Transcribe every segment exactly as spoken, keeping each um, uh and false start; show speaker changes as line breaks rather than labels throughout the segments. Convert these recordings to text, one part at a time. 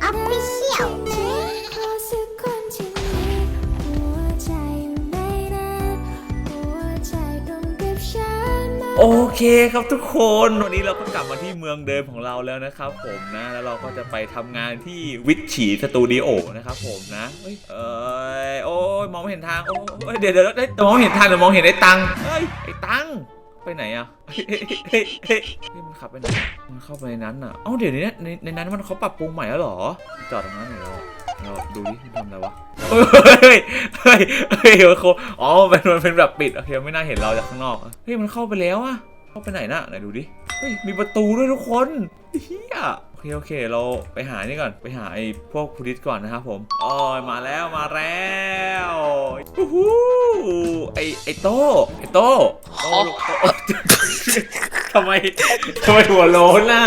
Official
โอเคครับทุกคนวันนี้เราก็กลับมาที่เมืองเดิมของเราแล้วนะครับผมนะแล้วเราก็จะไปทำงานที่วิถีสตูดิโอนะครับผมนะเอ้ยเอยโอ้ยมองไม่เห็นทางโอ้ยเดี๋ยวเดี๋ยวได้มองเห็นทางหรือมองเห็นไอ้ตังเฮ้ยไอ้ตังไปไหนอะเฮ้ยเฮ้ยเฮ้ยมันขับไปไหนมันเข้าไปในนั้นอะเอ้าเดี๋ยวนี้ในในนั้นมันเขาปรับปรุงใหม่แล้วหรอจอดตรงนั้นหน่อยเราเราดูดิมันทำอะไรวะเฮ้ยเฮ้ยเฮ้ยเขาอ๋อมันมันเป็นแบบปิดโอเคไม่น่าเห็นเราจากข้างนอกเฮ้ยมันเข้าไปแล้วอะเข้าไปไหนน่ะไหนดูดิเฮ้ยมีประตูด้วยทุกคนเฮียโอเคโอเคเราไปหานี่ก่อนไปหาไอ้พวกพูลิสก่อนนะครับผมอ๋อมาแล้วมาแล้วฮู้ฮู้ไอ้ไอ้โต้ไอ้โต้โต้ทำไมทำไมหัวโล้นน่ะ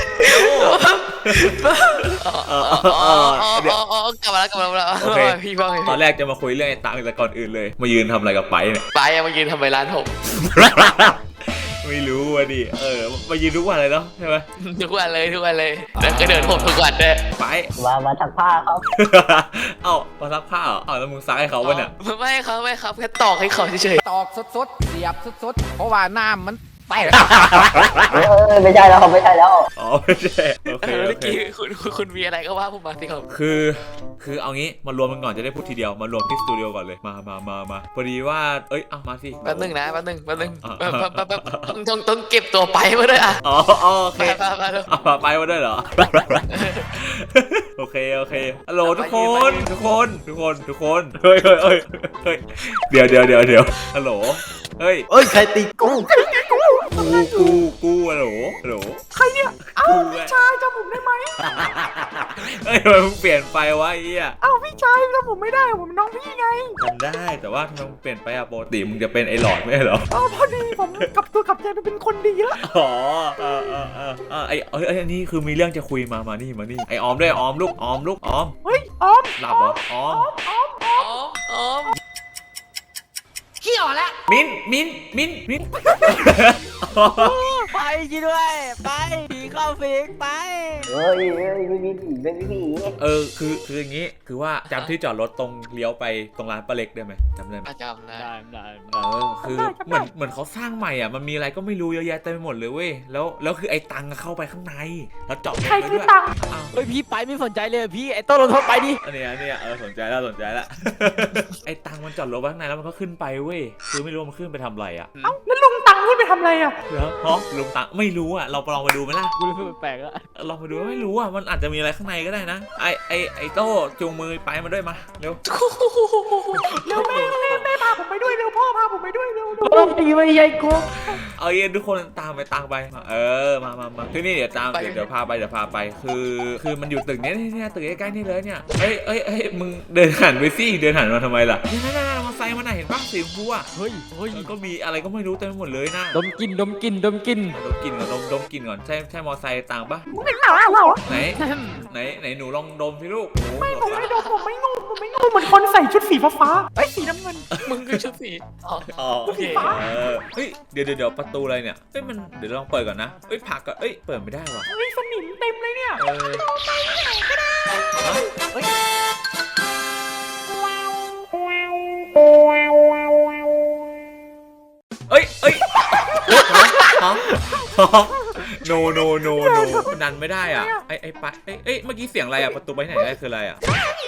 เดี๋ยวกลับมาแล้วกลับมาแล้วโอเคพี่บ้าง
ตอนแรกจะมาคุยเรื่องไอ้ตังแต่ก่อนอื่นเลยมายืนทำอะไรกับไปเนี่ย
ไปยังมายืนทำไมร้านผม
ไม่รู้ว่ะดิเออมายืนทุกวันเลยเนาะใช่ไหม
ทุกวันเลยทุกวันเลยแล้วก็เดินผมทุกวันด้วย
ไป
มามาถักผ้าครับ
เอ้ามาซักผ้าเหรอเอ้าแล้วมึงซักให้เขาป่ะเนี่ย
ไม่ครับไม่ครับแค่ตอกให้เขาเฉย
ๆตอกสดๆเสียบสดๆเพราะว่าน้ำมันแตก
เออไม่ใช่แล้วไม่ใช่แล้ว
อ๋อไม่ใช่โอเค
เมื่อกี้คุณคุณมีอะไรก็ว่าผมมาสิครับ
คือคือเอางี้มารวมกันก่อนจะได้พูดทีเดียวมารวมที่สตูดิโอก่อนเลยมามามามาพอดีว่าเอ้ยเอามาสิ
แป๊บนึงนะแป๊บนึงแป๊บนึงต้องต้องเก็บตัวไปมาด้วยอ่ะ
อ๋อโอเคเอาไปมาด้วยเหรอโอเคโอเคฮัลโหลทุกคนทุกคนทุกคนทุกคนเฮ้ยเฮ้ยเฮ้ยเฮ้ยเดี๋ยวเดี๋ยวเดี๋ยวเดี๋ยวฮัลโหลเฮ้ย
เอ้ยใครตีกู
กูกูกูฮัลโหลฮัลโหล
ใครเนี่ยเอ้าพี่ชายจำผมได้ไหม
เฮ้ยมันเปลี่ยนไปวะไอ้เหี้ย
เอ้าพี่ชายจำผมไม่ได้ผมน้องพี่ไง
จำได้แต่ว่าทำไมมึงเปลี่ยนไปอะปกติมึงจะเป็นไอ้หลอดไม่ใช่เหรอ
อ๋อพอดีผมกลับตัวกลับใจไปเป็นคนดีแล้ว
อ๋อเออเออเออเออไอ้เอ้ยอันนี้คือมีเรื่องจะคุยมามานี่มานี่ไอ้ออมด้วยออมลูกออมลูกออม
เฮ้ยออม
หลับเหรอออม
ออมออม
ออม
เขี้ยวแล้ว
มิ้นมิ้นมิ้นมิ้น
ไปจีด้วยไปผีเข้าฟิกไป
เฮ้ยเฮ้ยไม่มีผีไม่มีผี
เออคือคืออย่างงี้คือว่าจำที่จอดรถตรงเลี้ยวไปตรงร้านป้าเล็กได้ไหมจำได้ไหม
จำได้
ได้
เออคือเหมือนเหมือนเขาสร้างใหม่อ่ะมันมีอะไรก็ไม่รู้เยอะแยะเต็มไปหมดเลยเว้ยแล้วแล้วคือไอ้ตังเข้าไปข้างในแล้วเจาะ
ใครคือตังเฮ้ยพี่ไปไม่สนใจเลยพี่ไอ้ต้นลงโทษไปดิ
อันนี้อันนี้เออสนใจแล้วสนใจแล้วไอ้ตังมันจอดรถไว้ข้างในแล้วมันก็ขึ้นไปเว้ยคือไม่รู้มันขึ้นไปทำอะไรอ่ะ
เอ้าแล้วลุงตังขึ้นไปทำอะไรอ่ะ
เหรอฮะลุงตังไม่รู้อ่ะเราลองไปดูไหมล่ะ
กูรู้สึกแปลกอะ
ลองไปดูไม่รู้อ่ะมันอาจจะมีอะไรข้างในก็ได้นะไอไอไอโต้จูงมือไปมาด้วยมาเร็ว
เร็วแม่แม่แม่พาผมไปด้วยเร็วพ่อพาผมไปด้วยเร็วเร็วดีไม่ใช่กู
เอาเย็นทุกคนตามไปตามไปเออมามามาคือนี่เดี๋ยวตามเดี๋ยวเดี๋ยวพาไปเดี๋ยวพาไปคือคือมันอยู่ตึกนี้เนี่ยตึกใกล้ๆนี่เลยเนี่ยเอ้ยเอ้ยเอ้ยมึงเดินหันไปสิเดินหันมาทำไมล่ะนั่นนั่นมาไซมันไหนเห็นป่ะสีชมพูอ่ะ
เฮ้ยเฮ้ย
ก็มีอะไรก็ไม่รู้เต็มไปหมดเลยนะ
ดมกินดมกินดมกิน
ดมกินก่อนดมดมกินก่อนใช่ใช่มอไซค์ต่างปะ
ไม่เหรอเหรอ
ไหนไหนไหนหนูลองดมสิลูก
ไม่ผมไม่ดมผมไม่งูผมไม่งูเหมือนคนใส่ชุดสีฟ้าไอ้สีน้ำเงิน
มึงคือชุดสี
อ๋อโอเคเฮ้ยเดี๋ยวเดี๋ยวประตูอะไรเนี่ยเฮ้ยมันเดี๋ยวลองเปิดก่อนนะเฮ้ยผักก็เอ้ยเปิดไม่ได้ว่ะ
เฮ้ยสนิมเต็มเลยเนี่ย
เออ
ไปไหนก็ได้เฮ้ย
เอ้ยเอ้ยฮะโนโนโนโนดันไม่ได้อ่ะไอไอปะเอ้ยเอ้ยเมื่อกี้เสียงอะไรอ่ะประตูไปไหนได้คืออะไรอ่ะ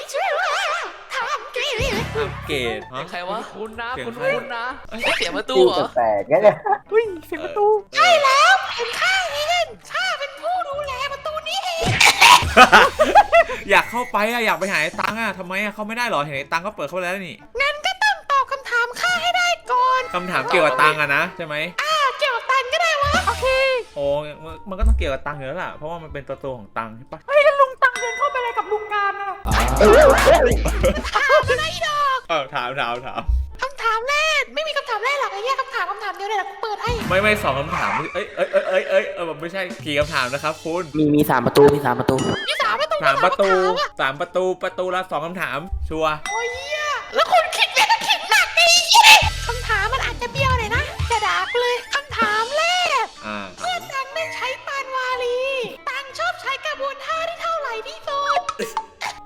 เกต
ใครวะ
คุณนะคุณคุณนะ
เสียงประตูเหรอ
แปลกแค่เนี่ย
เฮ้ยเสียงประตู
ใช่แล้วเป็นข้าเองข้าเป็นผู้ดูแลประตูนี้เอง
อยากเข้าไปอ่ะอยากไปหาไอ้ตังอ่ะทำไมอ่ะเขาไม่ได้หรอเห็นไอ้ตังก็เปิดเข้าแล้วนี่
งั้นก็ต้องตอบคำถามข้าให้ได้ก่อน
คำถามเกี่ยวกับตังอ่ะนะใช่ไหม
อ่าเกี่ยวกับตังก็ได้วะโอเค
โอ้มันก็ต้องเกี่ยวกับตังอยู่แล้วล่ะเพราะว่ามันเป็นประตูของตังใช่ปะ
เฮ้ยแล้วลุงตังเดินเข้าไปอะไรกับลุงการอ่ะ
ถามอะไรดอก
เออถามถามถาม
คำถามแรกไม่มีคำถามแรกหรอกไอ้แย่คำถามคำถามเดียวเลยนะกูเปิดให้
ไม่ไม่สองคำถามเอ้ยเอ้ยเอ้ยเอ้ยเอ้ยเออไม่ใช่กี่คำถามนะครับคุณ
มีมีสามประตูมีสามประตู
มีสามประตู
สามประตูสามประตูประตูละสองคำถามชัวร์
โอ้ยแล้วคุณคิดเยอะก็คิดหนักดิยี่คำถามมันอาจจะเบี้ยวหน่อยนะจะด่ากูเลยคำถามแรกเมื่อตังได้ใช้ปานวาลีตังชอบใช้กระบวนท่าที่เท่าไหร่ที่สุด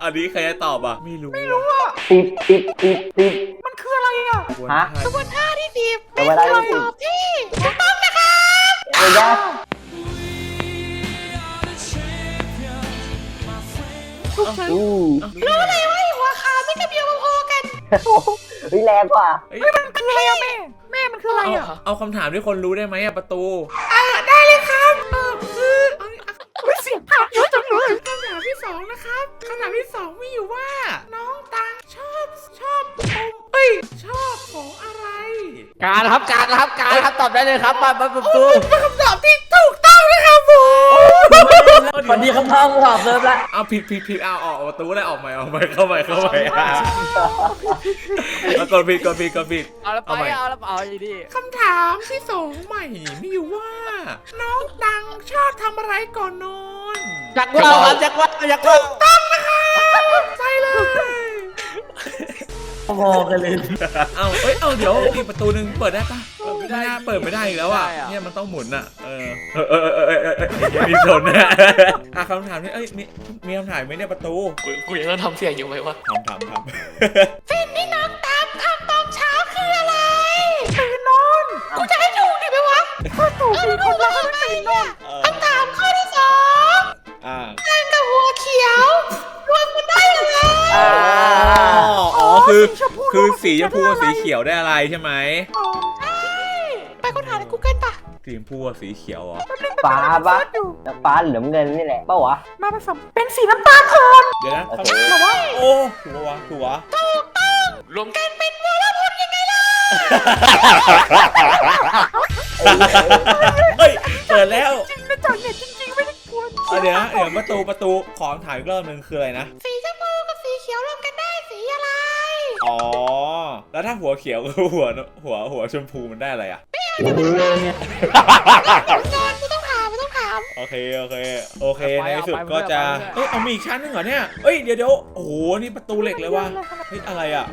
อันนี้ใครจะตอบอ่ะไม่รู้ไม่รู้
สิบสิบสิบสิบ
มันคืออะไรอ่ะ
ฮะ
กระบวนท่าที่สิบ
กระบวนท่าที่สิบ
ตอบที่ถูกต้องนะครับ
เดี๋ยวนะ อืม
รู้เลยว่าหัวขาไม่กระเบียวพอๆกัน
เฮ้ยแรงกว่า
เอ้ย
มันคืออะไรอ่ะแม่แม่มันคืออะไร
เอา
อ่ะ
เอาคำถามที่คนรู้ได้ไหมอะประตู
อ่าได้เลยครับเออคือเอา
ไม่เสียงผ่านเยอะจังเลย
คำถามที่สองนะครับคำถามที่สองมีอยู่ว่า น้องตังชอบชอบอมเอ้ยชอบของอะไร
การครับการครับการครับตอบได้เลยครับมามาประตู
เป็นคำตอบที่ถูกต้องนะครับผม
วันนี้คำถามถามเซิร์ฟละ
เอาผิดผิดผิดเอาออกประตูได้ออกใหม่ออกใหม่เข้าใหม่เข้าใหม่อ่ะเอากดผิดกดผิดกดผิด
เอาแล้วไป
เอาใหม่
เอาแล้วเอาอย่างนี้
คำถามที่สองใหม่มีอยู่ว่า น้องตังชอบทำอะไรก่อนนอน
จักรว่าครับจักรว่าจักรว่า
ต้องนะครับใช่เลย
พอกันเลย
เอาเอ้ยเอาเดี๋ยวอีกประตูหนึ่งเปิดได้ปะไม่น่าเปิดไม่ได้อีกแล้วอ่ะเนี่ยมันต้องหมุนอ่ะเออเออเออเออเออเออเออมีสนนะอ่ะคำถามนี้เอ้ยมีมีคำถามไหมเนี่ยประตู
กูกูยังต้องทำเสียงอยู่ไหมวะ
ถามถามถาม
สิ่งที่น้องตังทำตอนเช้าคืออะไรตื่นนอนกูจะให้ถูกดิไหมวะก็ถูกดิคนเราก็ตื่นนอนคำถามข้อที่สอง
อ่า
แดงกับหัวเขียวรวมกันได้ยังไง
อ๋ออ๋อคือคือสีชมพูกับสีเขียวได้อะไรใช่ไหม
ใช่ไปค้นหาใน Google ป่ะ
สีชมพูกับสีเขียวเหรอ
ฟ้าปะฟ้าเหลืองเงินนี่แหละเปล่าวะ
มาผสมเป็นสีน้ำตาลอ่อน
เดี๋ยวนะ
โอ
คำ
เค
ถามว่าโอ้ถูกปะวะถูกวะ
รวม
การเป็นวรพลยังไงล่ะ
เฮ้ยเปิดแล้ว
จริงนะจ๊ะเนี่ยจริงๆไม่ได้กวน
เอาเดี๋ยวนะเดี๋ยวประตูประตูขอถามอีกรอบหนึ่งคืออะไรนะ
สีชมพูกับสีเขียวรวมกันได้สีอะไร
อ๋อ แล้วถ้าหัวเขียวกับหัวหัวหัวชมพูมันได้อะไรอ่ะ
นอนไม่ต้องถามไม่ต้องถาม
โอเคโอเคโอเคในที่สุดก็จะเอ้ยเอามีอีกชั้นหนึงเหรอเนี่ยเอ้ยเดี๋ยวเดี๋ยวโอ้โหนี่ประตูเหล็กเลยว่ะเฮ้ยอะไรอ่ะ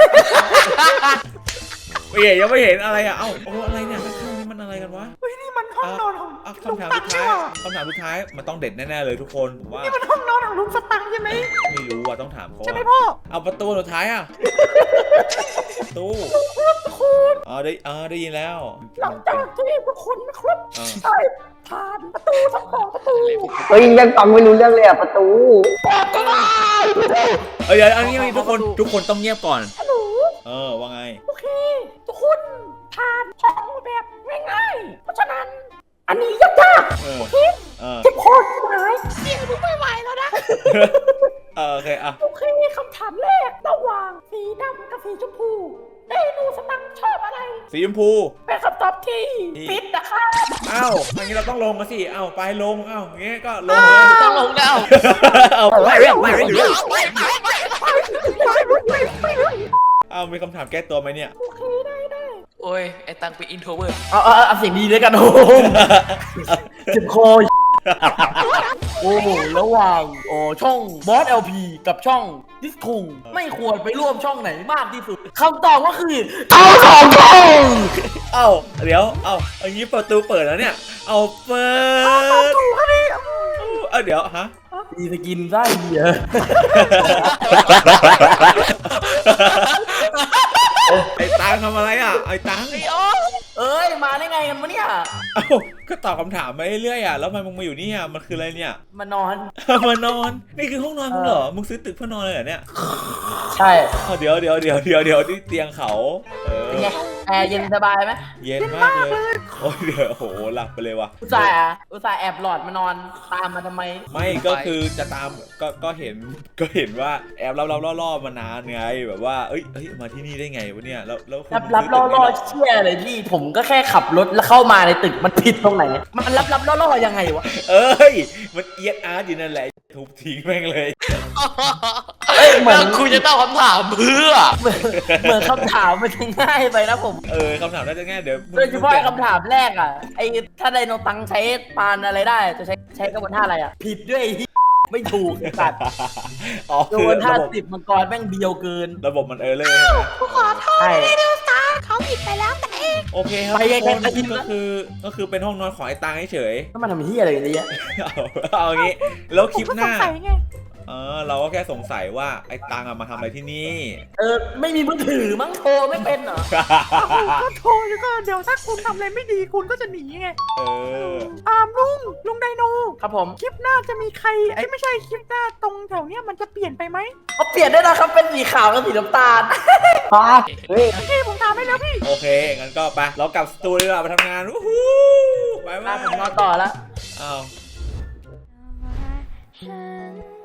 เฮ้ยยังไม่เห็นอะไรอ่ะเอ้าโอ้อะไรเนี่ยข้างๆนี่มันอะไรกันวะ
เฮ้ยนี่มันห้องนอนของ
อ่ะ
ลุง
คำถาม
ตั
สุ
ง
ด
ใช่
ท้าย
ไหม
คำถามสุดท้ายมันต้องเด็ดแน่ๆเลยทุกคนผมว่า
นี่มันห้องนอนของลุงสตังค์ใช่ไหม
ไม่รู้อ่ะต้องถามเขา
ใช่ไหม
อะ
พ่อ
เอาประตูสุดท้ายอ่ะประตูอ๋อได้อ๋อได้ยินแล้ว
หลังจากที่ทุกคนนะครับ
อ่า
ได้ผ่านประตูทั้งสองประตู
เฮ้ยยังฟังไม่รู้เรื่องเลยอะประตู
เอ้ยเดี๋ยวอันนี้ทุกคนทุกคนต้องเงียบก่อน
ฮัลโหล
เออว่าไง
โอเค ทุกคนผ่านช่องแบบง่ายๆเพราะฉะนั้น อันนี้ยาก
เออเออ
ๆเจ็บคอใช่ไหม
เสียงมึงไม่ไหวแล้วนะ
เออโอเคอ่ะ
โอเคคำถามแรกระหว่างสีดำกับสีชมพูเมนูสตังค์ชอบอะไร
สีชมพู
เป็นคำตอบที่ผิดนะคะ
อ้าวอย่างนี้เราต้องลงมาสิอ้าวไปลงอ้าวอย่างงี้ก็ลง
ต้องลงแล้ว
เอาไปอ้าวมีคำถามแก้ตัวไหมเนี่ย
โอเคได้ได้
โอ้ยไอ้ตังเป็นอินโทรเวิร์ด
เอาเอาเอาเสียงดีด้วยกันโอ้เจ็บคอโอ้โหระหว่างโอ้ช่องบอส แอล พี กับช่องดิสคุงไม่ควรไปร่วมช่องไหนมากที่สุดคำตอบก็คือเอาสองช่อง
เอ้าเดี๋ยวเอ้าอย่างนี้ประตูเปิดแล้วเนี่ยเอาเปิด
ถูกครับพี่
เอ้าเดี๋ยวฮะ
มีสกินไส้เหี้ย
ไอ้ตังทำอะไรอ่ะไอ้ตัง
เอ้ยมาได้ไงกันวะเนี่ย
เอ้าก็ตอบคำถามมาเรื่อยๆอ่ะแล้วทำไมมึงมาอยู่นี่อ่ะมันคืออะไรเนี่ย
มานอน
มานอนนี่คือห้องนอนมึงเหรอมึงซื้อตึกเพื่อนอนเลยเหรอเนี่ย
ใช่
อ้าวเดี๋ยวเดี๋ยวเดี๋ยวเดี๋ยวเดี๋ยวที่เตียงเขาเออ
เป็นไงแอร์เย็นสบายไหม
เย็นมากเลยโอ้ยเดี๋ยวโอ้โหหลับไปเลยว่ะ
อุตส่าห์อุตส่าห์แอบหลอดมานอนตามมาทำไม
ไม่ก็คือจะตามก็ก็เห็นก็เห็นว่าแอบรับรับล่อล่อๆมานานไงแบบว่าเอ้ยเอ้ยมาที่นี่ได้ไงวะเนี่ยแล้วแล้วคุณ
รับรับ
ซื้
ล่อ
ตึก
ล่อ
นี้เห
เชี่ยเลยพี่ผมก็แค่ขับรถแล้วเข้ามาในตึกมันผิดตรงไหน มันรับรับล่อล่อยังไงวะ
เอ้ยมันเอียดอาร์ตอยู่นั่นแหละทุบทิ้งแม่งเลย
เอ้ยเหมือน
แล้วคุณจะตอบคำถามเพื่อ
เหมือนเหมือนคำถามมันจะง่ายไปนะผม
เออคำถามน่าจะง่ายเดี๋ยว
โดยเฉพาะไอ้คำถามแรกอ่ะไอ้ถ้าไดโนตังใช้ปานอะไรได้จะใช้ใช้กระบวนท่าอะไรอ่ะผิดด้วยไอ้เหี้ยไม่ถูกไอ้สัตว์
อ๋อก
ระ
คื
บ
อ
วนท่า
ระบบ
สิบมังกรแม่งเบียวเกิน
ระบบมันเออเลยใช่ไหม
กูขอโทษ
ใช่
เลยเดลสตาร์เขาผิดไปแล้วแต่เอง
โอเคครับ
ไปไง
ทุกคน
ไปกิน
ก็
นะ
คือก็คือเป็นห้องนอนของไอ้ตังเฉย
แล้วมันทำเหี้ยอะไรกันเนี่ย
ๆเอาเอาอย่างงี้แล้วคลิปหน้า
ผมก็สงสัยไง
เออเราก็แค่สงสัยว่าไอ้ตังอะมาทำอะไรที่นี่
เออไม่มีมือถือมั้งโทรไม่เป็นเหรอ
ก็โทรแล้วก็เดี๋ยวถ้าคุณทำอะไรไม่ดีคุณก็จะหนีไง
เออ
อามลุงลุงไดโน
ครับผม
คลิปหน้าจะมีใครไอ้ยไม่ใช่คลิปหน้าตรงแถวเนี้ยมันจะเปลี่ยนไปไหม
เขาเปลี่ยนได้นะครับเป็นสีขาวกับสีน้ำตาล
ฮะเฮ้ย
พี่ผมถามให้แล้วพี่
โอเคงั้นก็ไปเรากลับสตูดีกว่าไปทำงานวู้ฮู้ไป
มา
มา
ผมนอนต่อแล้ว
อ้าว
ฉัน